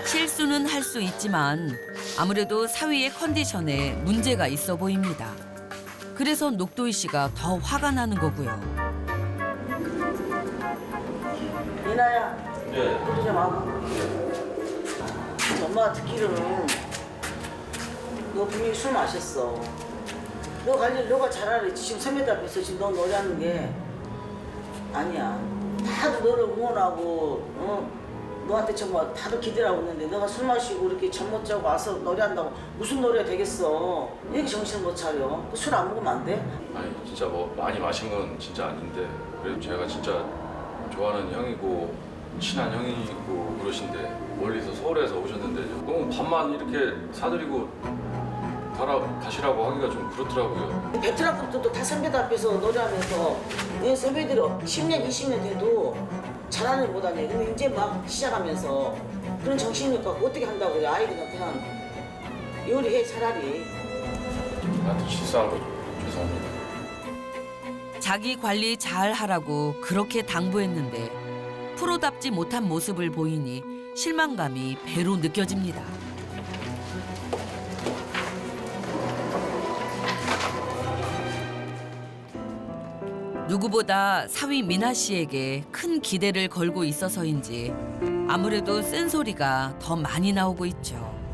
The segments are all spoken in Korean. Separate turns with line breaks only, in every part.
실수는 할 수 있지만 아무래도 사위의 컨디션에 문제가 있어 보입니다. 그래서 녹도희 씨가 더 화가 나는 거고요.
이나야,
네.
우리 좀 와봐. 엄마가 듣기로는 너 분명히 술 마셨어. 너가 잘 알았지. 지금 선배들 앞에서 지금 너 노래하는 게 아니야. 다들 너를 응원하고, 너한테 정말 다들 기대를 하고 있는데 너가 술 마시고 이렇게 잠 못 자고 와서 노래한다고 무슨 노래가 되겠어. 왜 이렇게 정신을 못 차려? 술 안 먹으면 안 돼?
아니 진짜 뭐 많이 마신 건 진짜 아닌데 그래도 제가 진짜 좋아하는 형이고 친한 형이고 그러신데 멀리서 서울에서 오셨는데 너무 밥만 이렇게 사드리고 가시라고 하기가 좀 그렇더라고요.
베트남부터도 다 선배들 앞에서 노래하면서 내 선배들이 10년, 20년 돼도 잘하는 일 못하네. 근데 이제 막 시작하면서 그런 정신을 갖고 어떻게 한다고 그래. 아이들은 그냥 요리해 차라리.
나한테 실수한 거 죄송합니다.
자기 관리 잘 하라고 그렇게 당부했는데 프로답지 못한 모습을 보이니 실망감이 배로 느껴집니다. 누구보다 사위 미나 씨에게 큰 기대를 걸고 있어서인지 아무래도 쓴소리가 더 많이 나오고 있죠.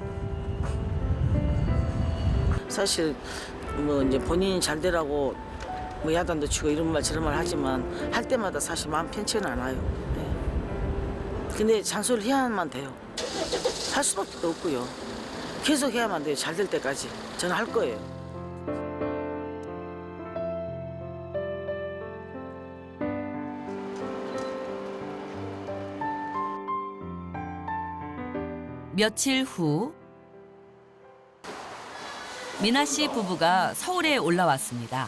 사실 뭐 이제 본인이 잘 되라고 뭐 야단도 치고 이런 말 저런 말 하지만 할 때마다 사실 마음 편치는 않아요. 네. 근데 잔소리를 해야만 돼요. 할 수밖에 없고요. 계속 해야만 돼요. 잘 될 때까지. 저는 할 거예요.
며칠 후 미나 씨 부부가 서울에 올라왔습니다.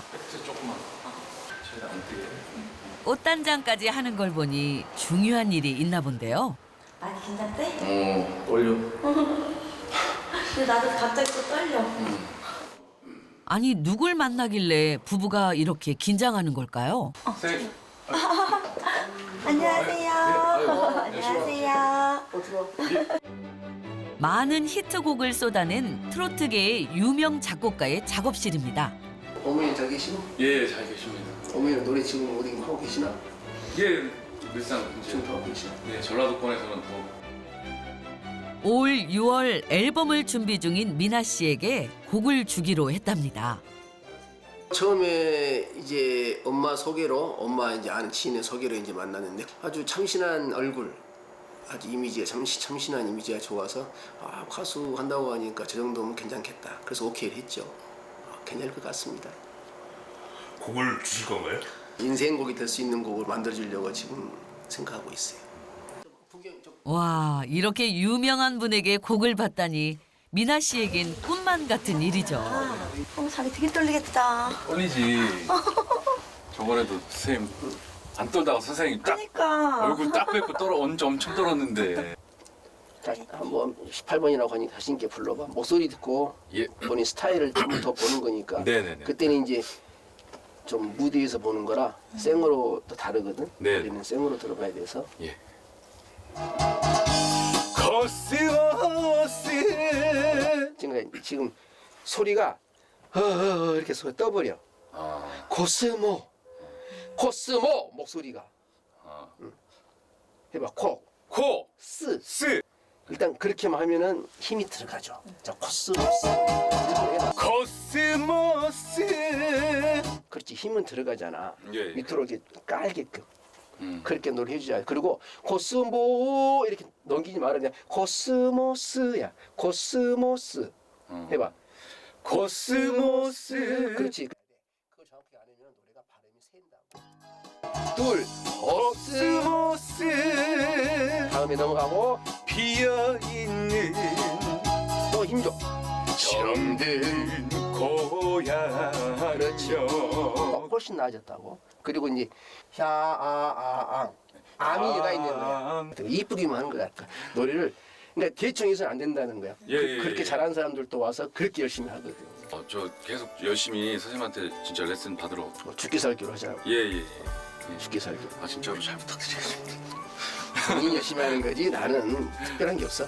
꽃단장까지 하는 걸 보니 중요한 일이 있나 본데요.
많이 긴장돼?
떨려.
근데 나도 갑자기 또 떨려.
아니 누굴 만나길래 부부가 이렇게 긴장하는 걸까요?
안녕하세요. 안녕하세요.
많은 히트곡을 쏟아낸 트로트계의 유명 작곡가의 작업실입니다.
어머니 잘 계시고?
예, 잘 계십니다.
어머니는 노래 지금 어디 하고 계시나?
예, 늘상
지금 더 하고 계시나?
예, 전라도권에서는 더
올 6월 앨범을 준비 중인 미나 씨에게 곡을 주기로 했답니다.
처음에 이제 엄마 소개로 엄마 이제 아는 지인의 소개로 이제 만났는데 아주 참신한 얼굴, 아주 이미지가 참신한 이미지가 좋아서 가수 한다고 하니까 저 정도면 괜찮겠다. 그래서 오케이를 했죠. 괜찮을 것 같습니다.
곡을 주실 건가요?
인생곡이 될 수 있는 곡을 만들어주려고 지금 생각하고 있어요.
와, 이렇게 유명한 분에게 곡을 받다니 미나 씨에겐 꿈만 같은 일이죠.
자기 되게 떨리겠다.
떨리지. 저번에도 선생님 안 떨다가 선생님 딱
그러니까.
얼굴 딱 뵙고 엄청 떨었는데.
다시 한번 18번이라고 하니까 다시 있게 불러봐. 목소리 듣고
예.
본인 스타일을 좀 더 보는 거니까.
네네네.
그때는 이제 좀 무대에서 보는 거라 생으로 또 다르거든.
네.
우리는 생으로 들어봐야 돼서.
예.
지금 소리가 이렇게 소리 떠버려. 코스모 목소리가. 해봐 코 스. 일단 그렇게만 하면은 힘이 들어가죠. 자 코스모스. 해봐.
코스모스.
그렇지 힘은 들어가잖아.
예.
밑으로 이렇게 깔게끔. 그렇게 노래 해주자. 그리고 코스모 이렇게 넘기지 말아. 그냥 코스모스야. 코스모스. 해봐.
코스모스.
그렇지. 그걸 정확히 안 하면 노래가 발음이 샌다고. 둘. 코스모스. 다음에 넘어가고
비어있는
또 힘 줘.
정든 고향.
그렇죠. 훨씬 나아졌다고. 그리고 이제 샤아아앙 암이 얘가 있는 거야. 이쁘기만 하는 거야. 노래를 그러니까 대충 해서는 안 된다는 거야.
예,
그렇게
예.
잘하는 사람들도 와서 그렇게 열심히 하거든.
저 계속 열심히 선생님한테 진짜 레슨 받으러.
죽기 살기로 하자고.
예.
죽기 살기.
진짜로 잘 부탁드리겠습니다.
본인이 열심히 하는 거지 나는 특별한 게 없어.